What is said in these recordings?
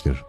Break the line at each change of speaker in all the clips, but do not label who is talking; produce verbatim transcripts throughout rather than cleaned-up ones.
gerçekleştirir.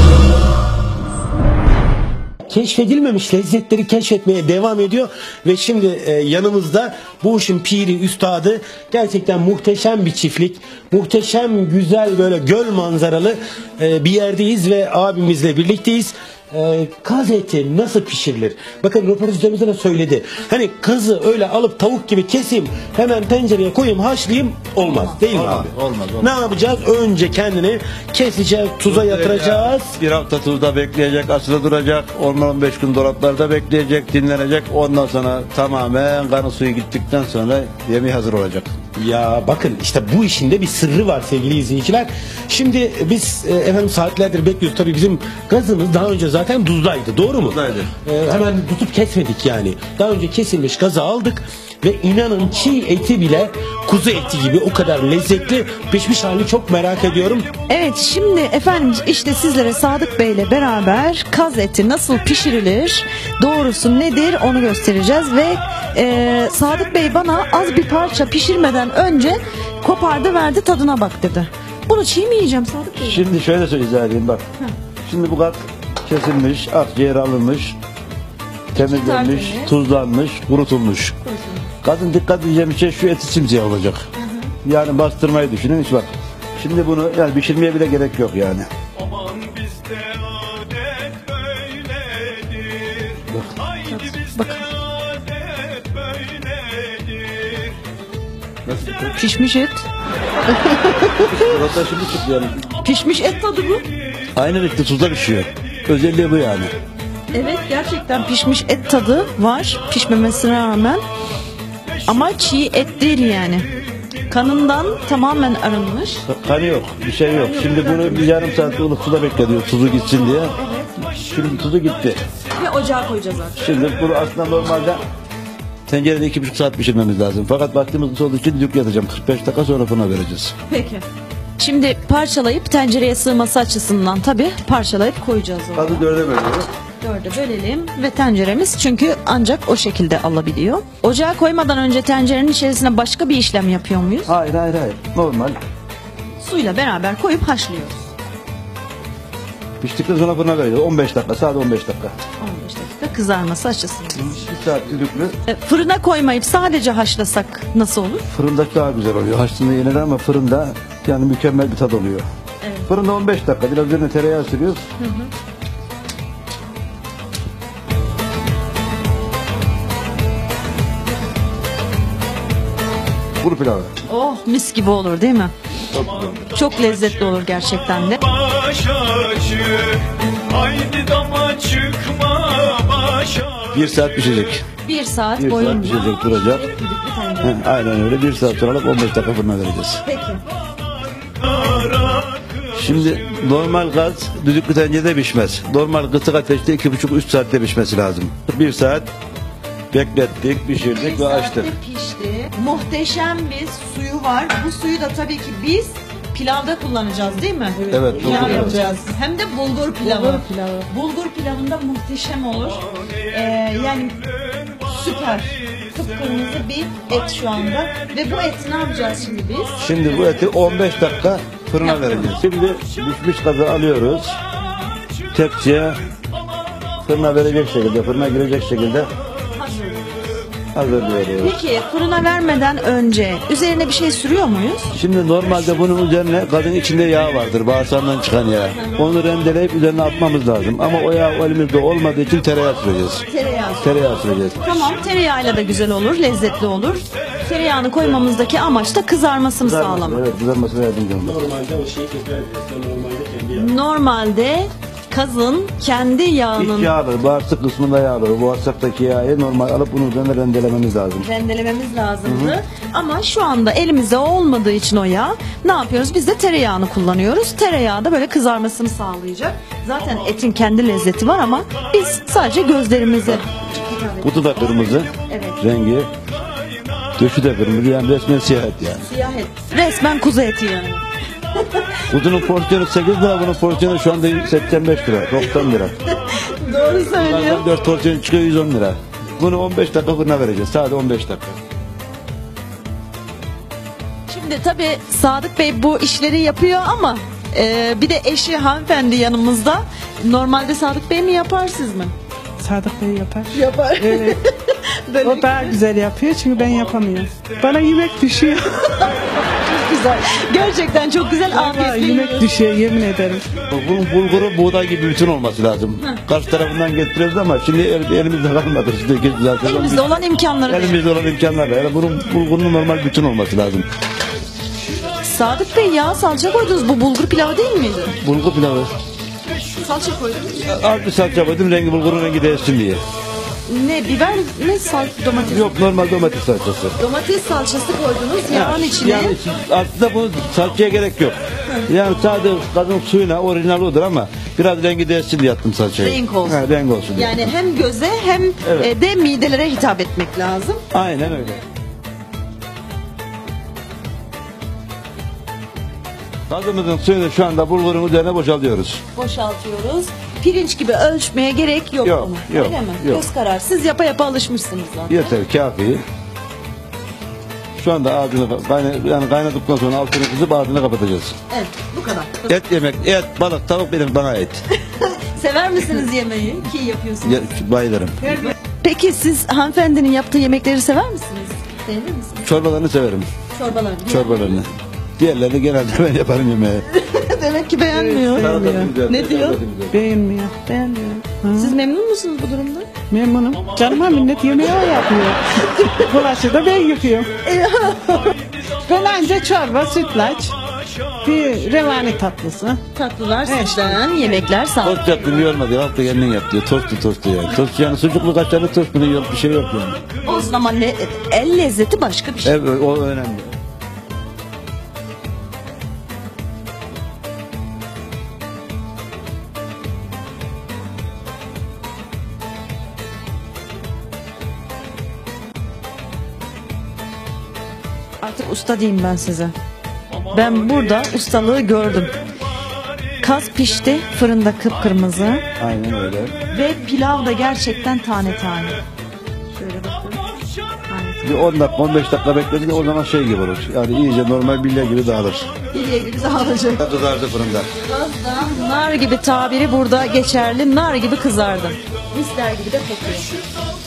Keşfedilmemiş lezzetleri keşfetmeye devam ediyor ve şimdi e, yanımızda bu işin piri, üstadı, gerçekten muhteşem bir çiftlik, muhteşem güzel böyle göl manzaralı e, bir yerdeyiz ve abimizle birlikteyiz. E, kaz eti nasıl pişirilir? Bakın röportajımızda da söyledi. Hani kazı öyle alıp tavuk gibi keseyim, hemen tencereye koyayım, haşlayayım, olmaz değil mi
olmaz,
abi?
Olmaz, olmaz.
Ne yapacağız? Önce kendini keseceğiz, tuza yatıracağız.
Bir hafta tuzda bekleyecek, asılı duracak. on on beş gün dolaplarda bekleyecek, dinlenecek. Ondan sonra tamamen kanı suyu gittikten sonra yemeği hazır olacak.
Ya bakın işte bu işin de bir sırrı var sevgili izleyiciler. Şimdi biz e, efendim saatlerdir bekliyoruz. Tabii bizim gazımız daha önce zaten tuzdaydı. Doğru mu?
Tuzdaydı.
E, hemen tutup kesmedik yani. Daha önce kesilmiş gazı aldık ve inanın çiğ eti bile kuzu eti gibi o kadar lezzetli pişmiş halini çok merak ediyorum.
Evet, şimdi efendim işte sizlere Sadık Bey ile beraber kaz eti nasıl pişirilir, doğrusu nedir onu göstereceğiz ve e, Sadık Bey bana az bir parça pişirmeden önce kopardı verdi, tadına bak dedi. Bunu çiğ mi yiyeceğim Sadık Bey?
Şimdi şöyle söyleyeyim bak.
Hı.
Şimdi bu kat kesilmiş, akciğer alınmış, temizlenmiş,
tertemiz.
tuzlanmış, kurutulmuş. Kadın dikkat edeceğim şey şu eti simsiyah olacak. Hı hı. Yani bastırmayı düşünün hiç bak. Şimdi bunu yani pişirmeye bile gerek yok yani.
Aman bizde adet böyledir. Haydi bizde
Bakın.
adet böyledir.
Nasıl?
Pişmiş et.
Hatta şimdi çıktı yani.
Pişmiş et tadı bu.
Aynı renkte tuzda pişiyor. Özelliği bu yani.
Evet, gerçekten pişmiş et tadı var pişmemesine rağmen. Ama çiğ et değil yani. Kanından tamamen arınmış.
Kanı yok, bir şey yok. Şimdi bunu bir yarım saat ılık suda bekletiyor tuzu gitsin diye. Şimdi tuzu gitti.
Ve ocağa koyacağız artık.
Şimdi bunu aslında normalde tencerede iki buçuk saat pişirmemiz lazım. Fakat vaktimiz olduğu için düdük yatacağım. kırk beş dakika sonra fırına vereceğiz.
Peki. Şimdi parçalayıp tencereye sığması açısından tabii parçalayıp koyacağız onu.
Fazla dörde bölüyoruz.
Dörde bölelim ve tenceremiz çünkü ancak o şekilde alabiliyor. Ocağa koymadan önce tencerenin içerisine başka bir işlem yapıyor muyuz?
Hayır hayır hayır. Normal.
Suyla beraber koyup haşlıyoruz.
Piştikten sonra fırına vereceğiz. on beş dakika, sadece on beş dakika.
on beş dakika kızarması açısından.
bir saat düdüklü.
E, Fırına koymayıp sadece haşlasak nasıl olur?
Fırında daha güzel oluyor. Haşlığında yenir ama fırında yani mükemmel bir tad oluyor.
Evet.
Fırında on beş dakika. Biraz üzerine tereyağı sürüyoruz. Hı hı. Kuru pilavı.
Oh, mis gibi olur değil mi? Çok lezzetli olur gerçekten de.
Baş açık. Haydi dama çıkma baş açık.
Bir saat pişecek.
Bir saat
Bir
boyunca.
saat pişecek, duracak. He, aynen öyle. Bir saat sonra alıp on beş dakika fırına vereceğiz.
Peki.
Şimdi normal gaz düdüklü tencerede pişmez. Normal kısık ateşte iki buçuk üç saatte pişmesi lazım. Bir saat beklettik, pişirdik ve açtık.
Pişti. Muhteşem bir suyu var. Bu suyu da tabii ki biz pilavda kullanacağız değil mi?
Evet,
Pilav
bulgur
yapacağız. Hem de bulgur pilavı. Bulgur pilavı. Bulgur pilavında muhteşem olur. Ee, yani süper. Kıpkırmızı bir et şu anda. Ve bu eti ne yapacağız şimdi biz?
Şimdi bu eti on beş dakika fırına vereceğiz. Şimdi pişmiş gazı alıyoruz. Tepsiye fırına verecek şekilde, fırına girecek şekilde hazırlıyoruz.
Peki fırına vermeden önce üzerine bir şey sürüyor muyuz?
Şimdi normalde bunun üzerine gazın içinde yağ vardır, bağırsağından çıkan yağ. Onu rendeleyip üzerine atmamız lazım. Ama o yağ elimizde olmadığı için tereyağı süreceğiz.
Tereyağı.
Tereyağı süreceğiz.
Tamam, tereyağıyla da güzel olur, lezzetli olur. Tereyağını koymamızdaki amaç da kızarmasını sağlamak.
Evet, kızarmasına yardımcı olmak.
Normalde o şeyi normalde kendi yağı.
Normalde kazın kendi yağının
İç yağları, bağırsak kısmında yağları, bağırsaktaki yağı normal alıp bunun üzerine rendelememiz lazım.
rendelememiz lazımdı. Hı hı. Ama şu anda elimizde olmadığı için o yağ, ne yapıyoruz? Biz de tereyağını kullanıyoruz. Tereyağı da böyle kızarmasını sağlayacak. Zaten etin kendi lezzeti var ama biz sadece gözlerimizi.
Kutu da kırmızı,
Evet.
rengi. Döşü de kırmızı, yani resmen siyah et yani.
Siyah et. Resmen kuzu eti yani.
Kutunun porsiyonu sekiz lira, bunun porsiyonu şu anda seksen beş lira, doksan lira.
Doğru söylüyor.
dört porsiyon çıkıyor yüz on lira. Bunu on beş dakika fırına vereceğiz, sadece on beş dakika.
Şimdi tabii Sadık Bey bu işleri yapıyor ama Ee, bir de eşi hanımefendi yanımızda. Normalde Sadık Bey mi yapar siz mi?
Sadık Bey yapar.
Yapar.
Evet.
Böyle
O daha güzel yapıyor çünkü ben yapamıyorum. Bana yemek düşüyor.
güzel. Gerçekten çok güzel.
Vallahi
Afiyetle
yemek
yiyoruz.
düşüyor yemin ederim.
Bunun bulguru buğday gibi bütün olması lazım. Karşı tarafından getiriyoruz ama şimdi el- elimizde kalmadı. Şimdi zaten
Elimizde olan imkanları.
elimizde olan imkanlarla. Yani bunun bulgurun normal bütün olması lazım.
Sadık Bey yağ salça koydunuz. Bu bulgur pilavı değil miydi?
Bulgur pilavı.
Salça koydunuz.
Az bir salça koydum rengi bulgurun rengi değişsin diye.
Ne biber ne sal domates.
Yok normal domates salçası.
Domates salçası koydunuz yağın içine.
Yani aslında bu salçaya gerek yok. Yani sadece kadın suyuna orijinal odur ama biraz rengi değişsin diye attım salçayı.
Renk olsun.
Ha, renk olsun diye.
Yani hem göze hem
Evet.
e, de midelere hitap etmek lazım.
Aynen öyle. Gazımızın suyunu şu anda bulgurun üzerine boşaltıyoruz.
Boşaltıyoruz. Pirinç gibi ölçmeye gerek yok.
Yok,
bunun.
yok,
Öyle mi?
yok.
Göz karar. Siz yapa yapa alışmışsınız zaten.
Yeter kafi. Şu anda ağzını kayna, yani kaynadıktan sonra altını kızıp ağzını kapatacağız.
Evet, bu kadar.
Et yemek, et, balık, tavuk benim bana et.
Sever misiniz yemeği? Ki yapıyorsunuz.
Ya, bayılırım.
Peki siz hanımefendinin yaptığı yemekleri sever misiniz? Beğenir misiniz?
Çorbalarını severim.
Çorbalarını.
Çorbalarını. Diğerlerini genelde ben yaparım yemeği.
Demek ki beğenmiyor. Ne diyor?
Beğenmiyor.
Beğenmiyor. Siz memnun musunuz bu durumda?
Memnunum. Canıma minnet yemeği o yapıyor. Bulaşı da ben yıkıyorum. Ben anca çorba, sütlaç, bir revani tatlısı.
Tatlılar
Evet.
sizden, yemekler sağ olun.
Tost yaptım yormadı. Hafta kendin yap diyor. Tostu tostu yani. Tost yani sucuklu kaşarlı tost bunun yok bir şey yok yani.
Olsun ama le- el lezzeti başka bir şey.
Evet o önemli.
Artık usta diyeyim ben size. Ben burada ustalığı gördüm. Kaz pişti, fırında kıpkırmızı
Aynen öyle.
ve pilav da gerçekten tane tane. Şöyle bakın. Tane
Bir on dakika on beş dakika bekledik o zaman şey gibi olur. Yani iyice normal bilye gibi dağılır.
tane. İliye gibi dağılacak.
Kızardı fırında.
Kazda nar gibi tabiri burada geçerli. Nar gibi kızardı. Misler gibi de kokuyor.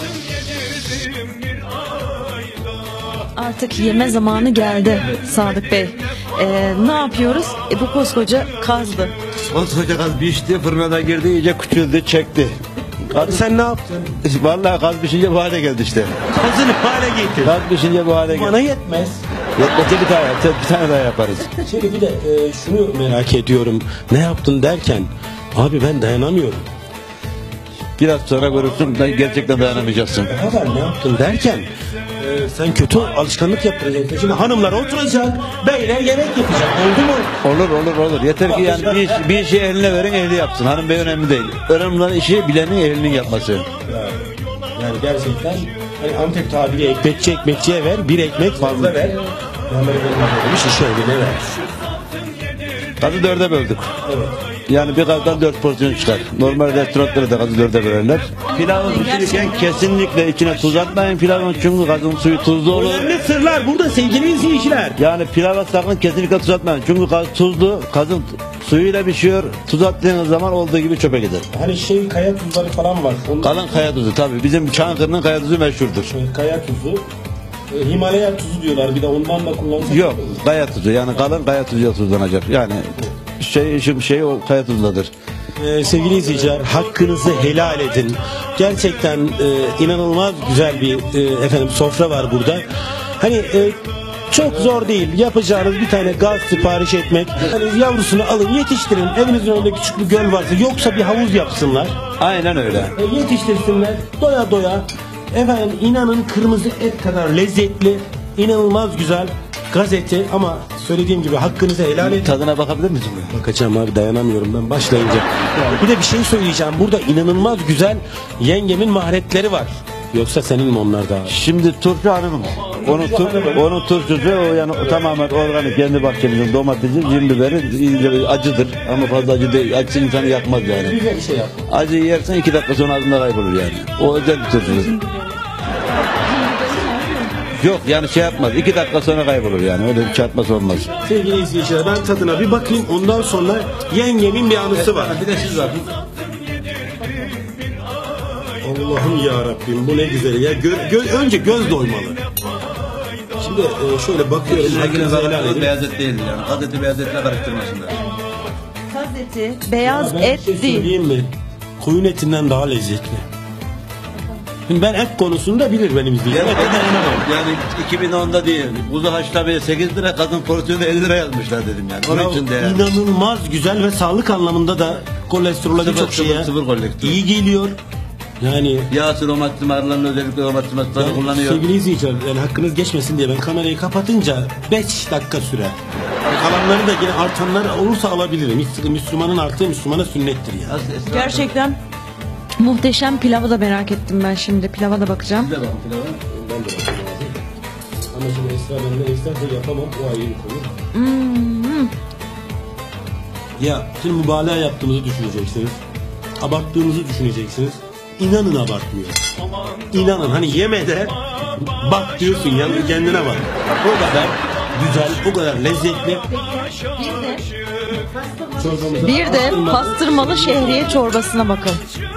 Artık yeme zamanı geldi Sadık Bey. Ee, ne yapıyoruz? E, bu koskoca kazdı.
Koskoca kaz pişti fırına girdi iyice küçüldü çekti.
Abi sen ne yaptın?
Vallahi kaz pişince bu hale geldi işte.
Kazını hale getir.
Kaz pişince bu hale
Bana
geldi.
yetmez.
Yetmese bir tane, bir tane daha yaparız.
Şimdi bir de e, şunu merak ediyorum. Ne yaptın derken abi ben dayanamıyorum.
Biraz sonra görürsün ben gerçekten dayanamayacaksın.
Haber ne yaptın derken e, sen kötü alışkanlık yaptıracaksın. Şimdi hanımlar oturacak, beyler yemek yapacak. Oldu mu?
Olur olur olur. Yeter ki yani bir, iş- bir işi eline verin ehli yapsın. Hanım bey önemli değil. Önemli olan işi bilenin ehlinin yapması.
Yani gerçekten hani Antep tabiri ekmekçi ekmekçiye ver, bir ekmek fazla ver. Yani böyle demiş işi eline ver.
Gazı dörde böldük. Yani bir gazdan dört porsiyon çıkar. Normal restoranlara da gazı dörde bölerler. Pilavı pişirirken kesinlikle içine tuz atmayın pilavın çünkü gazın suyu tuzlu olur.
Önemli sırlar burada sevgili izleyiciler.
Yani pilava sakın kesinlikle tuz atmayın. Çünkü gaz tuzlu, gazın suyuyla pişiyor. Tuz attığınız zaman olduğu gibi çöpe gider.
Hani şey kaya tuzları falan var. Onlar,
Kalın kaya tuzu tabii. Bizim Çankırı'nın kaya tuzu meşhurdur.
kaya tuzu. E, Himalaya tuzu diyorlar. Bir de ondan da kullansak.
Yok kaya tuzu yani kalın kaya tuzuyla tuzlanacak. Yani şey işim şey o kaya tuzladır.
Ee, sevgili izleyiciler hakkınızı helal edin. Gerçekten e, inanılmaz güzel bir e, efendim sofra var burada. Hani e, çok zor değil. Yapacağınız bir tane gaz sipariş etmek. Hani yavrusunu alın yetiştirin. Evinizin önünde küçük bir göl varsa yoksa bir havuz yapsınlar.
Aynen öyle.
E, yetiştirsinler doya doya. Efendim inanın kırmızı et kadar lezzetli, inanılmaz güzel gaz eti ama söylediğim gibi hakkınızı helal edin.
Tadına bakabilir misin?
Bakacağım abi dayanamıyorum ben başlayınca. Bir de bir şey söyleyeceğim. Burada inanılmaz güzel yengemin maharetleri var. Yoksa senin mi onlar da?
Şimdi turşu hanımım. Onun, tur, onun turşusu o yani o tamamen organik kendi bahçemizin domatesi, cin biberi iyice acıdır ama fazla acı değil. Acısı insanı yakmaz yani.
Güzel bir şey yap.
Acı yersen iki dakika sonra ağzında kaybolur yani. O özel bir turşu. Yok yani şey yapmaz. iki dakika sonra kaybolur yani. Öyle bir çarpması olmaz.
Sevgili izleyiciler ben tadına bir bakayım. Ondan sonra yengemin bir anısı var.
Bir de siz var.
Allah'ım ya Rabbim bu ne güzel ya. Gö- gö- önce göz doymalı. Şimdi e, şöyle bakıyorum. Hakkınızı helal edin.
Beyaz et değildir yani. Kaz eti beyaz etle karıştırmasınlar.
Kaz eti, beyaz
Ben bir
et
şey
değil.
söyleyeyim mi? Koyun etinden daha lezzetli. Şimdi ben et konusunda bilir benim izleyicilerim.
Yani,
Ete dayanamam.
yani iki bin onda değil. Kuzu haşlamaya sekiz lira, kadın porsiyonu elli lira yazmışlar dedim yani. Onun
Ya,
için de yani.
inanılmaz güzel ve sağlık anlamında da kolesterola
Sıfır,
birçok şeye
sıfır, sıfır kolesterol.
iyi geliyor. Yani
Yağsı, romatizma ağrılarını özellikle romatizmasları
yani
kullanıyor.
sevgili izleyiciler yani hakkınız geçmesin diye ben kamerayı kapatınca beş dakika sürer. Kalanları da yine artanlar olursa alabilirim. Hiç sıkıntı- Müslümanın arttığı Müslümana sünnettir ya.
Az esnaf-
Gerçekten muhteşem pilavı da merak ettim ben şimdi. Pilava da bakacağım.
Siz de bakın pilava.
Ben de bakmam lazım. Ama şimdi Esra benden isterse yapamam. O ayrı bir konu.
Hmm.
Ya şimdi mübalağa yaptığımızı düşüneceksiniz. Abarttığımızı düşüneceksiniz. İnanın abartmıyor. İnanın hani yemede bak diyorsun ya kendine bak. O kadar güzel, o kadar lezzetli. Çorbamıza
Bir de
pastırma-
pastırmalı şehriye çorbasına bakın.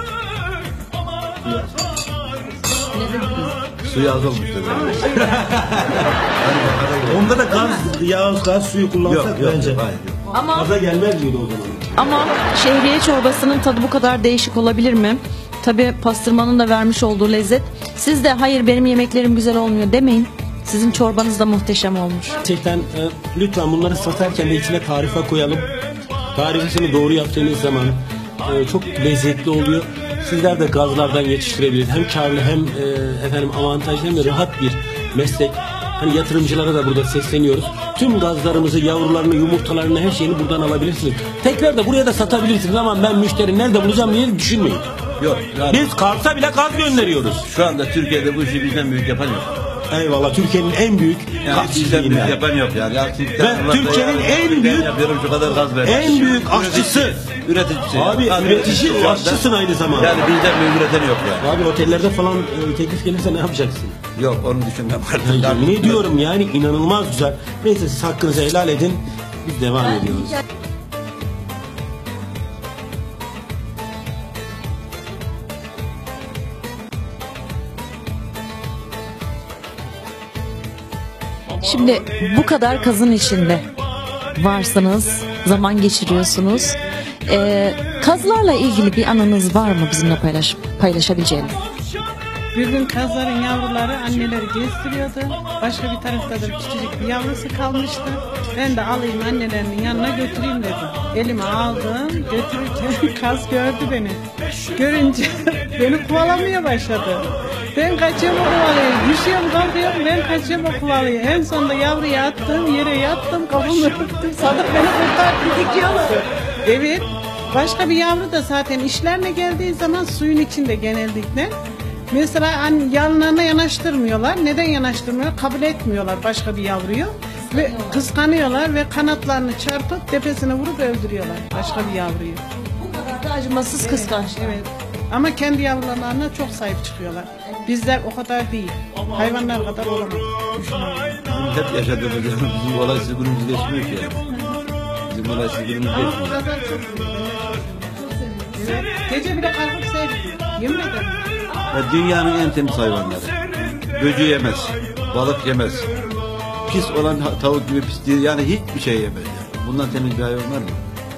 Suyu az olmuş dedi.
Onda da gaz, yağ, gaz suyu kullansak
Yok yok.
bence.
Hayır, yok.
Ama
Gaza gelmez miydi o zaman?
ama şehriye çorbasının tadı bu kadar değişik olabilir mi? Tabii pastırmanın da vermiş olduğu lezzet. Siz de hayır benim yemeklerim güzel olmuyor demeyin. Sizin çorbanız da muhteşem olmuş.
Gerçekten e, lütfen bunları satarken de içine tarife koyalım. Tarifesini doğru yaptığınız zaman e, çok lezzetli oluyor. Sizler de gazlardan yetiştirebilirsiniz. Hem karlı hem e, efendim avantajlı hem de rahat bir meslek. Hani yatırımcılara da burada sesleniyoruz. Tüm gazlarımızı, yavrularını, yumurtalarını, her şeyini buradan alabilirsiniz. Tekrar da buraya da satabilirsiniz ama ben müşteri nerede bulacağım diye düşünmeyin.
Yok. Yani
Biz Kars'a bile gaz gönderiyoruz.
şu anda Türkiye'de bu işi bizden büyük yapan yok.
Eyvallah Türkiye'nin en büyük
Yani
gaz
bizden
çiftliği
büyük
yani.
yapan yok yani. Yaksın,
Ben Türkiye'nin en büyük-
yapıyorum şu kadar gaz ver.
En büyük aşçısı.
Üreticisi.
Abi
Yani
üretici,
şu anda-
aşçısın aynı zamanda.
Yani bizden büyük üreten yok yani.
Abi otellerde falan e, teklif gelirse ne yapacaksın?
Yok onu düşünmem.
Ya, ne diyorum yani inanılmaz güzel. Neyse siz hakkınızı helal edin. Biz devam ediyoruz.
Şimdi bu kadar kazın içinde varsınız, zaman geçiriyorsunuz. Ee, kazlarla ilgili bir anınız var mı bizimle paylaş paylaşabileceğiniz?
Bir gün kazların yavruları anneleri gezdiriyordu. Başka bir tarafta da küçücük bir yavrusu kalmıştı. Ben de alayım annelerinin yanına götüreyim dedim. Elime aldım, götürürken kaz gördü beni. Görünce beni kovalamaya başladı. Ben kaçıyorum o kovalıyor. Düşüyorum kalkıyorum ben kaçıyorum o kovalıyor. En sonunda yavruyu attım yere yattım kafamı örttüm. Sadık beni kurtardı dikiyorlar. Evet. Başka bir yavru da zaten işlerine geldiği zaman suyun içinde genellikle. Mesela an- yanlarına yanaştırmıyorlar. Neden yanaştırmıyor? Kabul etmiyorlar başka bir yavruyu. Ve kıskanıyorlar ve kanatlarını çarpıp tepesine vurup öldürüyorlar başka bir yavruyu.
Bu kadar da acımasız kıskanç.
Evet. Ama kendi yavrularına çok sahip çıkıyorlar. Bizler o kadar değil. Hayvanlar kadar olamaz.
Bizim hep yaşadığımız yani bizim olay sürgünümüz geçmiyor ki yani. Bizim olay sürgünümüz
Ama o
geçmiyor.
kadar çok Evet. Gece bile kalkıp seyrediyor. Yemin ederim.
Ya dünyanın en temiz hayvanları. Böcü yemez, balık yemez. Pis olan ha- tavuk gibi pis değil. Yani hiçbir şey yemez. Yani. Bundan temiz bir hayvan var mı?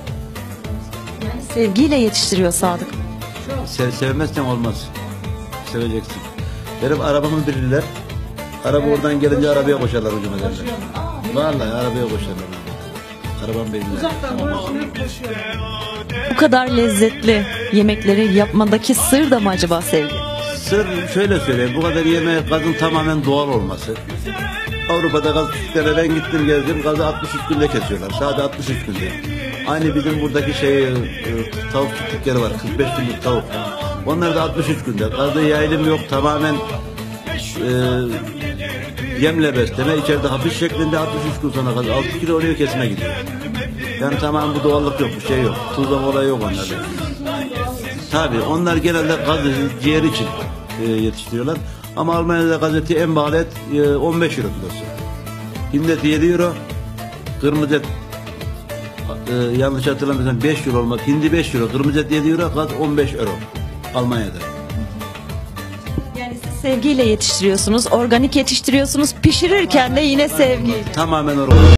Sevgiyle yetiştiriyor Sadık.
Se sevmezsen olmaz. Seveceksin. Benim arabamı bilirler. Araba oradan gelince arabaya koşarlar hücum ederler. Vallahi arabaya koşarlar. Arabam bilirler.
Uzaktan görüşünü koşuyorlar.
Bu kadar lezzetli yemekleri yapmadaki sır da mı acaba sevgi?
Sır şöyle söyleyeyim. Bu kadar yemeğe gazın tamamen doğal olması. Avrupa'da gaz çiftliklere ben gittim gezdim. Gazı altmış üç günde kesiyorlar. Sadece altmış üç günde. Aynı bizim buradaki şey e, tavuk çiftlikleri var. kırk beş günlük tavuk. Onlar da altmış üç günde. Gazda yayılım yok. Tamamen e, yemle besleme. İçeride hapis şeklinde altmış üç gün sonra gaz altı kilo oluyor kesime gidiyor. Yani tamamen bu doğallık yok. Bir şey yok. Tuzlama olayı yok onlarda. Tabii onlar genelde gazı ciğer için e, yetiştiriyorlar. Ama Almanya'da gazete en pahalı et e, on beş euro kilosu. Hindi eti yedi euro. Kırmızı et e, yanlış hatırlamıyorsam beş euro olmak. Hindi beş euro. Kırmızı et yedi euro. Gaz on beş euro. Almanya'da.
Yani siz sevgiyle yetiştiriyorsunuz, organik yetiştiriyorsunuz, pişirirken de yine sevgi.
Tamamen orada.